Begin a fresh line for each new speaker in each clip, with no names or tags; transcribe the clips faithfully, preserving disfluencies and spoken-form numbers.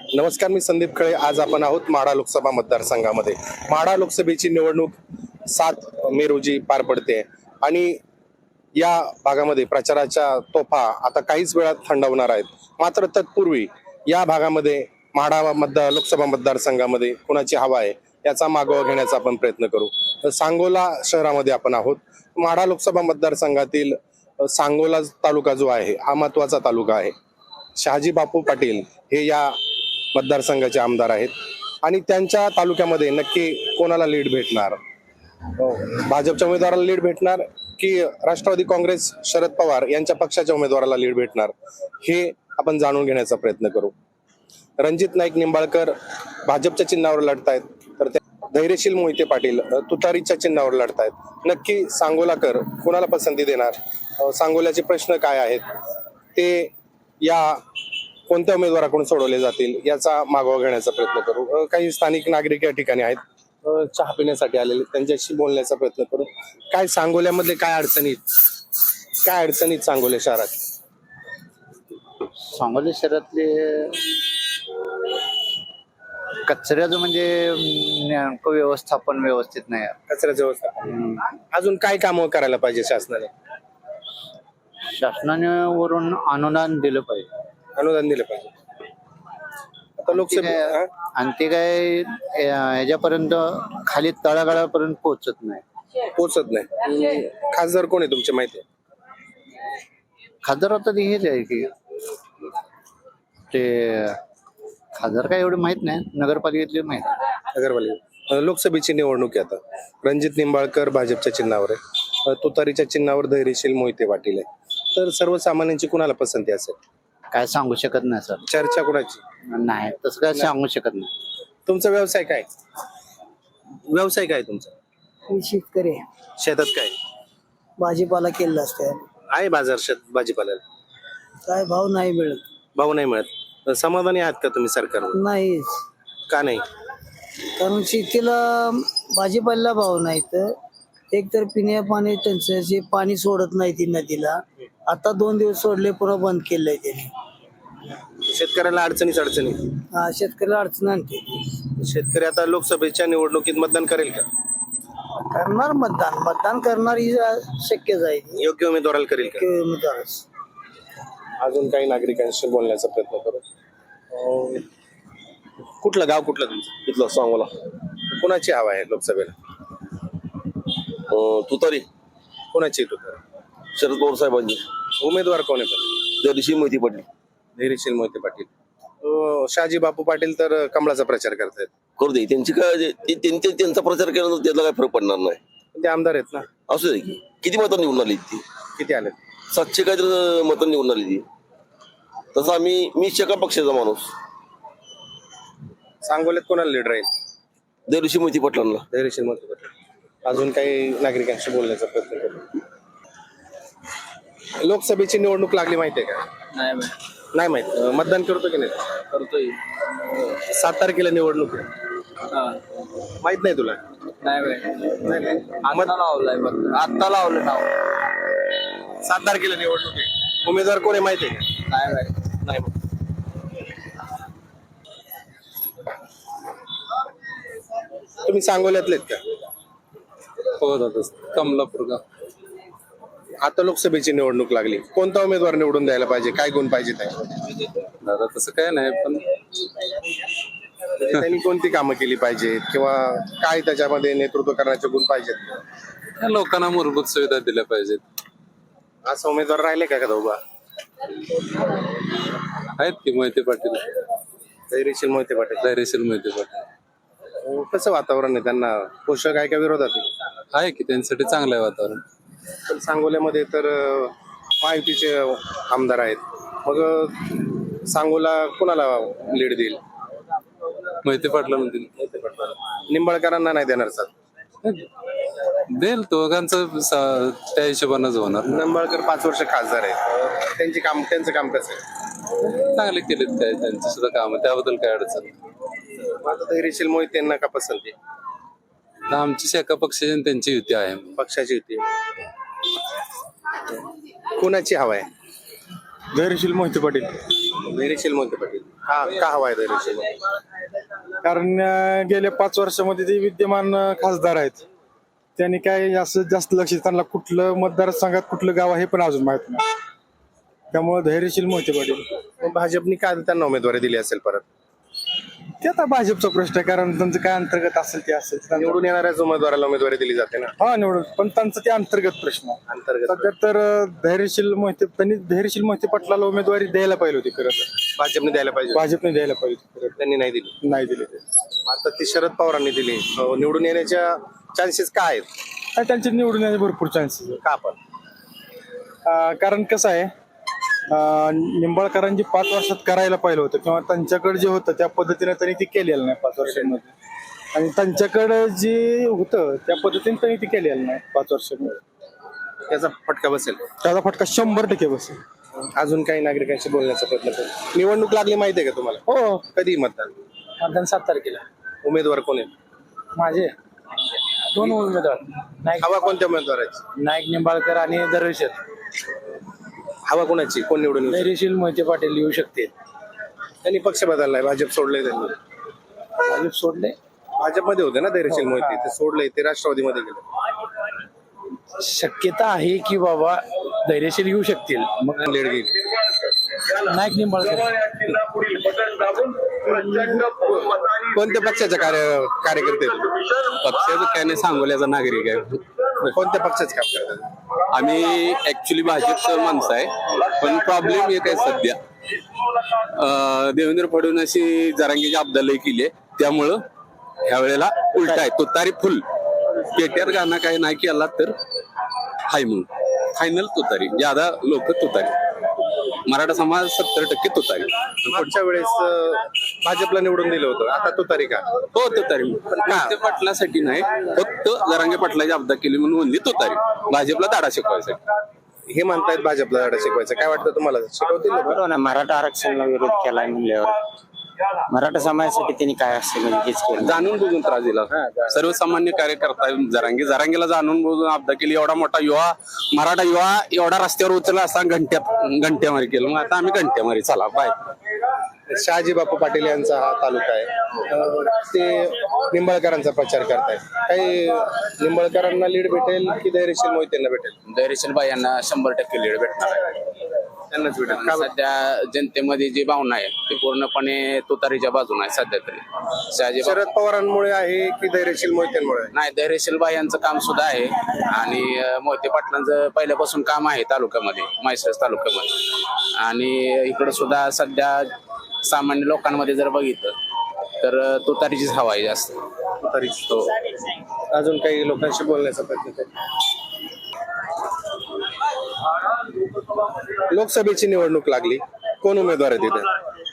नमस्कार, मी संदीप खळे. आज आपण आहोत माढा लोकसभा मतदारसंघामध्ये. माढा लोकसभेची निवडणूक सात मे रोजी पार पडते आणि या भागामध्ये प्रचाराच्या तोफा आता काहीच वेळात थंडावणार आहेत. मात्र तत्पूर्वी या भागामध्ये माढा मतदार लोकसभा मतदारसंघामध्ये कोणाची हवा आहे याचा मागोवा घेण्याचा आपण प्रयत्न करू. तर सांगोला शहरामध्ये आपण आहोत. माढा लोकसभा मतदारसंघातील सांगोला तालुका जो आहे हा महत्वाचा तालुका आहे. शहाजी बापू पाटील हे या मतदारसंघाचे आमदार आहेत आणि त्यांच्या तालुक्यामध्ये नक्की कोणाला लीड भेटणार? भाजपच्या उमेदवाराला लीड भेटणार की राष्ट्रवादी काँग्रेस शरद पवार यांच्या पक्षाच्या उमेदवाराला लीड भेटणार हे आपण जाणून घेण्याचा प्रयत्न करू. रणजित नाईक निंबाळकर भाजपच्या चिन्हावर लढतायत, तर धैर्यशील मोहिते पाटील तुतारीच्या चिन्हावर लढतायत. नक्की सांगोलाकर कोणाला पसंती देणार? सांगोल्याचे प्रश्न काय आहेत ते या कोणत्या उमेदवाराकडून सोडवले जातील याचा मागोवा घेण्याचा प्रयत्न करू. काही स्थानिक नागरिक या ठिकाणी आहेत, चहा पिण्यासाठी आलेले, त्यांच्याशी बोलण्याचा प्रयत्न करू. काय सांगोल्यामध्ये काय अडचणीत काय अडचणीत सांगोले शहरात?
सांगोली शहरातले कचऱ्याचं म्हणजे नेमकं व्यवस्थापन व्यवस्थित नाही.
कचऱ्याचं व्यवस्थापन अजून काय कामं करायला पाहिजे शासनाने?
शासनाने वरून अनुदान दिलं पाहिजे.
अनुदान दिलं पाहिजे. आता लोकसभा
आणि ते काय ह्याच्यापर्यंत खाली तळागाळापर्यंत पोहोचत नाही
पोचत नाही. खासदार कोण आहे तुमच्या माहिती आहे?
खासदार आता ते हेच आहे की ते खासदार काय एवढे माहित नाही, नगरपालिकेतले माहित आहे.
नगरपालिका लोकसभेची निवडणूक आहे आता. रणजित निंबाळकर भाजपच्या चिन्हावर आहे, तुतारीच्या चिन्हावर धैर्यशील मोहिते पाटील आहे. तर सर्वसामान्यांची कुणाला पसंती असेल?
काय सांगू शकत नाही सर.
चर्चा कुणाची
नाही तसं काय सांगू शकत नाही.
तुमचा व्यवसाय काय? व्यवसाय काय तुमचा?
मी शेतकरी आहे.
शेतात काय
भाजीपाला केलेला असते.
आहे? बाजार शेत भाजीपाल्याला
काय भाव नाही मिळत.
भाव नाही मिळत. समाधानी आहात का तुम्ही सरकारवर?
नाहीच,
का नाही?
कारण शेतीला भाजीपाल्याला भाव नाही. तर एक तर पिण्या पाणी त्यांचं जे पाणी सोडत नाही ती नदीला, आता दोन दिवस सोडले पुन्हा बंद केलंय त्याने.
शेतकऱ्याला अडचणीच अडचणी.
हा, शेतकऱ्याला अडचण आणते.
शेतकरी आता लोकसभेच्या निवडणुकीत मतदान करेल का?
करणार मतदान मतदान करणार ही शक्यच आहे.
योग्य उमेदवाराला करेल का?
उमेदवारच.
अजून काही नागरिकांशी बोलण्याचा प्रयत्न करू. अं, कुठलं गाव कुठलं तुमचं?
इथलं सांगोला.
कोणाची हवा आहे लोकसभेला?
तुतारी
कोणाची तुतारी?
शरद पवार साहेबांची.
उमेदवार कोण आहे पण?
त्या मोहिती पडली.
धैर्यशील मोहिते पाटील. अं, शहाजी बापू पाटील तर कमळाचा प्रचार करतायत.
करू दे, त्यांची काय जे- ते- त्यांचे त्यांचा प्रचार केल्यानंतर त्याला काय फरक पडणार नाही.
ते आमदार आहेत ना.
असू दे की किती मतं निवडून आली ती?
किती आले?
सातशे काहीतरी मतं निवडून आली ती. तसं आम्ही मी शेका पक्षाचा माणूस.
सांगोल्यात कोणाला लीड राहील?
देवऋषी मोहिती पाटलांना.
धैर्यशील मोहिते पाटील. अजून काही नागरिकांशी बोलण्याचा प्रयत्न करू. लोकसभेची निवडणूक लागली माहितीये का?
नाही
नाही माहित. अं, मतदान करतो की नाही?
करतोय.
सात तारखेला निवडणूक आहे. माहित नाही तुला?
नाही
नाही नाही. मत-
लावलाय आता लावलं नाव.
सात तारखेला निवडणूक आहे. उमेदवार कोण आहे माहिती आहे का?
नाही
नाही माहित. तुम्ही सांगोल्यातलेत का?
हो दादा, कमलापूर गाव.
आता लोकसभेची निवडणूक लागली. कोणता उमेदवार निवडून द्यायला पाहिजे? काय गुण पाहिजे त्यामध्ये?
दादा तसं काय नाही, पण
म्हणजे त्यांनी कोणती कामं केली पाहिजेत किंवा काय त्याच्यामध्ये नेतृत्व करण्याचे गुण पाहिजेत?
या लोकांना मूलभूत सुविधा दिल्या पाहिजेत.
असं उमेदवार राहिले का का उभा?
आहेत की मोहिते पाटील,
धैर्यशील मोहिते पाटील.
धैर्यशील मोहिते पाटील
अं, कसं वातावरण आहे? त्यांना पोषक आहे का विरोधात आहे?
आहे की, त्यांच्यासाठी चांगलं आहे वातावरण.
पण सांगोल्यामध्ये तर अं, महायुतीचे आमदार आहेत. मग अं, सांगोला कोणाला लीड देईल?
मोहिते पाटलांना
निंबाळकरांना नाही देणार साथ.
देईल, दोघांचं सा- त्या हिशोबानंच होणार.
निंबाळकर पाच वर्ष खासदार आहेत. त्यांची काम त्यांचं काम कसं आहे?
चांगले केलेत काय त्यांचे सुद्धा काम, त्याबद्दल काय अडचण नाही.
आता धैर्यशील मोहितेंना का पसंती?
आता आमची शाखा पक्षाची आणि त्यांची युती आहे.
पक्षाची युती. कोणाची हवा आहे?
धैर्यशील मोहिते पाटील.
धैर्यशील मोहिते पाटील. का का हवा आहे धैर्यशील
कारण अं, गेल्या पाच वर्षामध्ये ते विद्यमान अं, खासदार आहेत. त्यांनी काय असं जास्त लक्ष त्यांना कुठलं मतदारसंघात कुठलं गाव आहे हे पण अजून माहित नाही. त्यामुळे धैर्यशील मोहिते पाटील.
मग भाजपने का त्यांना उमेदवारी दिली असेल परत?
ते आता भाजपचा प्रश्न आहे, कारण त्यांचं काय अंतर्गत असेल ते असेल ते त्यांचं-
निवडून येणाऱ्याच उमेदवाराला उमेदवारी दिली जाते ना.
हा निवडून, पण त्यांचा ते अंतर्गत प्रश्न आहे.
अंतर्गत
सध्या तर अं, धैर्यशील मोहिते त्यांनी धैर्यशील मोहिते पाटलाला उमेदवारी द्यायला पाहिजे होती खरं तर.
भाजपने द्यायला पाहिजे,
भाजपने द्यायला पाहिजे होती खरं
त्यांनी नाही दिली.
तर. नाही दिले ते.
आता ती शरद पवारांनी दिली. अं, निवडून येण्याच्या चान्सेस काय आहेत?
आणि त्यांचे निवडून येण्याचे भरपूर चान्सेस
का आपण
आहे. कारण कसं आहे, अं, निंबाळकरांनी पाच वर्षात करायला पाहिलं होतं किंवा त्यांच्याकडे जे होतं त्या पद्धतीने त्यांनी ते केलेलं नाही पाच वर्षांमध्ये. आणि त्यांच्याकडे जे होतं त्या पद्धतीने त्यांनी ते केलेलं नाही पाच वर्षांमध्ये.
त्याचा फटका बसेल?
त्याचा फटका शंभर टक्के बसेल.
अजून काही नागरिकांशी बोलण्याचा प्रयत्न करू. निवडणूक लागली माहिती आहे का तुम्हाला?
हो,
कधी मतदान?
मतदान सात तारखेला.
उमेदवार कोण आहेत?
माझे दोन उमेदवार, नाईक
हवा कोणत्या उमेदवाराची?
नाईक निंबाळकर आणि दरवेशर.
हवा कोणाची? कोण निवडून येऊ शकतं?
धैर्यशील मोहिते पाटील येऊ शकते.
त्यांनी पक्ष बदललाय, भाजप सोडलंय त्यांनी.
भाजप सोडले.
भाजपमध्ये होते ना धैर्यशील मोहिते, ते सोडले, ते राष्ट्रवादीमध्ये गेले.
शक्यता आहे की बाबा धैर्यशील येऊ शकतील. मग
लेट गेली.
नाईक निंबाळकर.
कोणत्या पक्षाचे कार्य कार्यकर्ते आहेत?
पक्षाचं काय नाही, सांगोल्याचा नागरिक आहे.
कोणत्या पक्षाचे काम करतात?
आम्ही ऍक्च्युली भाजपचं माणसं आहे, पण प्रॉब्लेम एक आहे सध्या. अं, देवेंद्र फडणवीस जरांगीची अब्दालही केली आहे, त्यामुळं ह्या वेळेला उलट आहे. तुतारी फुल. पेट्यात गाणं काही नाही केला तर हाय म्हणून फायनल तुतारी. ज्यादा लोक तुतारी. मराठा समाज सत्तर टक्के तुतारी.
मागच्या वेळेस अं, भाजपला निवडून दिलं होतं, आता तुतारी का?
हो तुतारी. मोहिते पाटलासाठी नाही, फक्त जरांगे पाटलाची अब्दा केली म्हणून म्हणली तुतारी. भाजपला दाडा शिकवायसाठी.
हे म्हणतायत भाजपला धडा शिकवायचं. काय वाटतं तुम्हाला? शिकवतील लोकं?
बरोबर ना, मराठा आरक्षणाला विरोध केलाय म्हणल्यावर मराठा समाजासाठी त्यांनी काय असेल म्हणजे हेच केलं.
जाणून बुजून त्रास दिला. सर्वसामान्य कार्यकर्ता जरांगे जरांगेला जाणून बुजून अब्दा केली. एवढा मोठा युवा, मराठा युवा एवढा रस्त्यावर उचलला असता घंट्यात घंट्यामारी केलं. मग आता आम्ही घंट्यामारी. चला बाय.
शहाजी बापू पाटील यांचा हा तालुका आहे. अं, ते निंबाळकरांचा प्रचार करतायत. काही निंबाळकरांना लीड भेटेल की धैर्यशील मोहितेंना भेटेल?
धैर्यशील बाई यांना शंभर टक्के लीड भेटणार आहे.
त्यांनाच भेटेल. का बरं?
सध्या जनतेमध्ये जी भावना आहे ती पूर्णपणे तुतारीच्या बाजूने आहे सध्या तरी. शहाजी बापू-
शरद पवारांमुळे आहे की धैर्यशील मोहितेंमुळे?
नाही, धैर्यशील बाई यांचं काम सुद्धा आहे आणि अं, मोहिते पाटलांचं पहिल्यापासून काम आहे तालुक्यामध्ये, म्हैसाळ तालुक्यामध्ये. आणि इकडं सुद्धा सध्या सामान्य लोकांमध्ये जर बघितलं तर अं, तुतारीचीच हवा आहे जास्त.
तुतारी. हो. अजून काही लोकांशी बोलण्याचा प्रयत्न करू. लोकसभेची निवडणूक लागली, कोण उमेदवार आहे तिथे?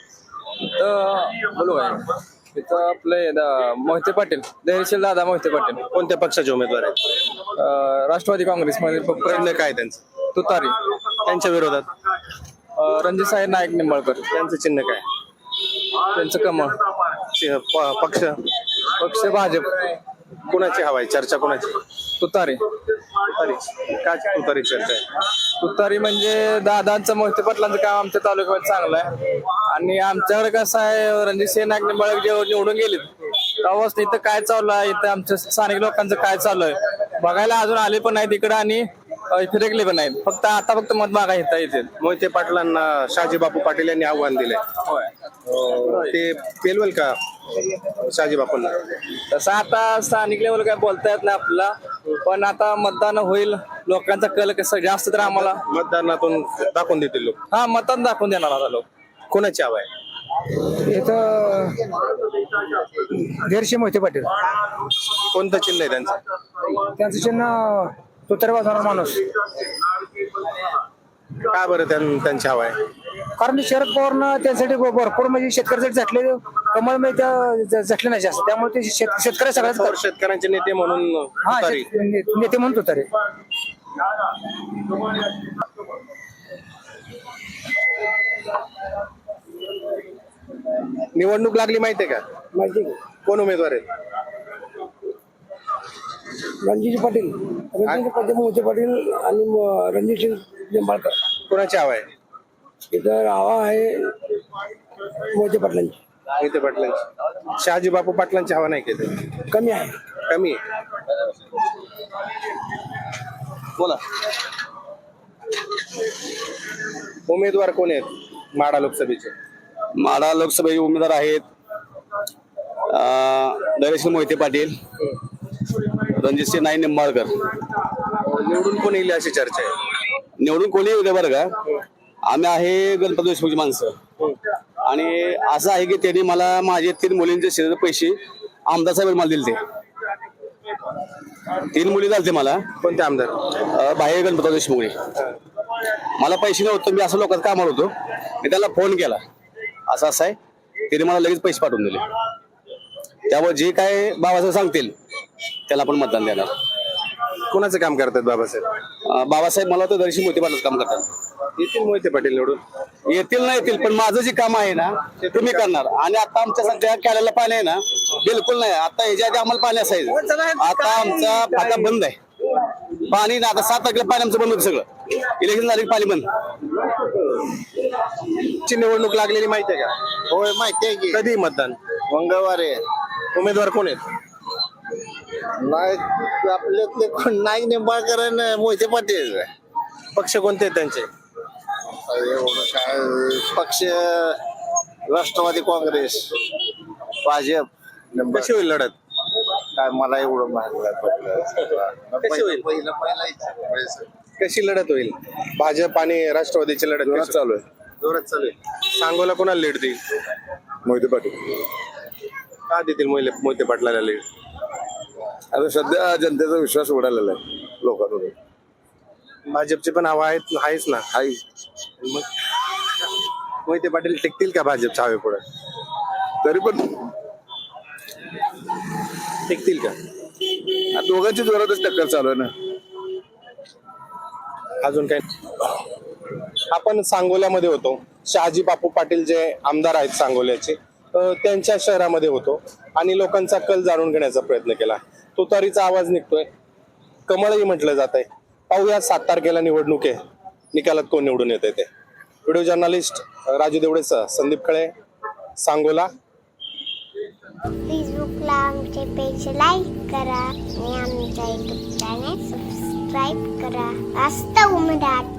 बोलू आहे तिथं आपले दा- मोहिते पाटील, धैर्यशील दादा मोहिते पाटील.
कोणत्या पक्षाचे उमेदवार आहेत?
अं, राष्ट्रवादी काँग्रेसमध्ये
प्रश्न काय त्यांचं?
तुतारी.
त्यांच्या विरोधात
अं, रणजित साहेब नाईक निंबाळकर,
त्यांचं चिन्ह काय?
त्यांचं कमळ.
चि- प- पक्ष
पक्ष भाजप.
कुणाची हवा आहे? चर्चा कुणाची?
तुतारी.
तुतारी. का तुतारी चर्चा आहे?
तुतारी म्हणजे दादांचं मोहिते पाटलांचं काम आमच्या तालुक्यामध्ये चांगलं आहे. आणि आमच्याकडे कसं आहे, रणजित सिंह नाईक निंबाळकर जे निवडून गेले तेव्हाच इथं काय चालू आहे, इथं आमच्या स्थानिक लोकांचं काय चालू आहे बघायला अजून आले पण नाही तिकडं आणि अं, फिरकले पण नाहीत. फक्त आता फक्त मत मागा येता येते.
मोहिते पाटलांना शहाजी बापू पाटील यांनी आव्हान दिलंय. अं, ते पेलवेल का शहाजी बापूंना?
तसं आता स्थानिक लेवल काय बोलता येत नाही आपल्याला, पण आता मतदान होईल, लोकांचा कल कसं जास्त तर आम्हाला
मतदानातून दाखवून देतील लोक.
हा मतदान दाखवून देणार आता लोक.
कोणाची हवा आहे?
इथं धैर्यशील मोहिते पाटील.
कोणतं चिन्ह आहे त्यांचं?
त्यांचं चिन्ह तुतारी वाजवणारा माणूस.
का बरं त्यां- त्यांची हवा आहे?
कारण शरद पवारनं त्यासाठी भरपूर म्हणजे शेतकऱ्यासाठी झटले कमळ म्हणजे झटले नाही जास्त, त्यामुळे ते शेत- शेतकरी सगळ्यात
पवार शेतकऱ्यांचे नेते म्हणून
हा
तुतारी.
शेत- ने- नेते म्हणून तुतारी.
निवडणूक लागली माहितीये का?
माहिती
कोण उमेदवार आहेत?
रणजित पाटील, रणजित पाटील मोहिते पाटील आणि रणजित निंबाळकर.
कोणाची हवा आहे?
इथं हवा आहे
मोहिते पाटलांची
मोहिते पाटलांची. शहाजी बापू पाटलांची हवा नाही केली,
कमी आहे.
कमी आहे.
बोला.
उमेदवार कोण आहेत माढा लोकसभेचे?
माढा लोकसभेचे उमेदवार आहेत धैर्यशील मोहिते पाटील, रणजितसिंह नाईक निंबाळकर.
निवडून कोण येईल अशी चर्चा आहे?
निवडून कोणी येऊ दे बरं का, आम्ही आहे गणपती देशमुखची माणसं. आणि असं आहे की त्यांनी मला माझे तीन मुलींचे शेजारी पैसे आमदार साहेब मला दिले. तीन मुली झालते मला.
कोणते आमदार?
अं, बाहेर गणपती देशमुखने मला पैसे नव्हते, मी असं लोकांचं कामावर होतो, मी त्याला फोन केला असं असं आहे, त्याने मला लगेच पैसे पाठवून दिले. त्यामुळे जे काय बाबासाहेब सांगतील त्याला आपण मतदान देणार.
कोणाचं काम करतात बाबासाहेब?
अं, बाबासाहेब मला तर दर्शी मोहिते पाटील काम करतात.
येतील मोहिते पाटील निवडून?
येतील नाही येतील, पण माझं जे काम आहे ना ते तुम्ही करणार. आणि आता आमच्या सध्या कॅरेला पाणी आहे ना, बिलकुल नाही. आता ह्याच्या आधी आम्हाला पाणी असायचं, आता आमचा फाटा बंद आहे. पाणी ना आता सात तारखेला पाणी आमचं बंद होतं सगळं. इलेक्शन झाले की पाणी बंद.
ची निवडणूक लागलेली माहिती आहे का?
होय माहिती आहे की
कधी मतदान?
मंगळवारी
उमेदवार कोण आहेत?
नाही आपल्यातले कोण नाईक निंबाळकर आणि मोहिते पाटील.
पक्ष कोणते आहेत त्यांचे?
एवढं काय पक्ष राष्ट्रवादी काँग्रेस, भाजप.
कशी होईल लढत?
काय मला एवढं माहिती
कशी होईल?
पहिलं पहिला इच्छा.
कशी लढत होईल? भाजप आणि राष्ट्रवादीची लढत कशी चालू आहे? जोरात चालू आहे. सांगोला कोणाला लीड देईल?
मोहिते पाटील.
का देतील मोहिले मोहिते पाटलाला लीड?
आता सध्या जनतेचा विश्वास उडालेला आहे लोकांवर.
भाजपचे पण हवा आहेत आहेच ना.
हाय
मग मोहिते पाटील टिकतील का भाजपच्या हवे पुढे?
तरी पण
टिकतील का?
दोघांची जोरातच टक्कर चालू आहे ना.
अजून काय? आपण सांगोल्यामध्ये होतो. शहाजी बापू पाटील जे आमदार आहेत सांगोल्याचे, अ, त्यांच्या शहरामध्ये होतो आणि लोकांचा कल जाणून घेण्याचा प्रयत्न केला. तुतारीचा आवाज निघतोय, कमळही म्हटलं जात आहे. पाहूया सात तारखेला निवडणूक आहे, निकालात कोण निवडून येत आहे ते. व्हिडिओ जर्नलिस्ट राजू देवडेसह संदीप खळे, सांगोला.
फेसबुकला आमचे पेज लाईक करा आणि आमच्या युट्यूब चॅनेल सबस्क्राईब करा. वास्तव मराठी.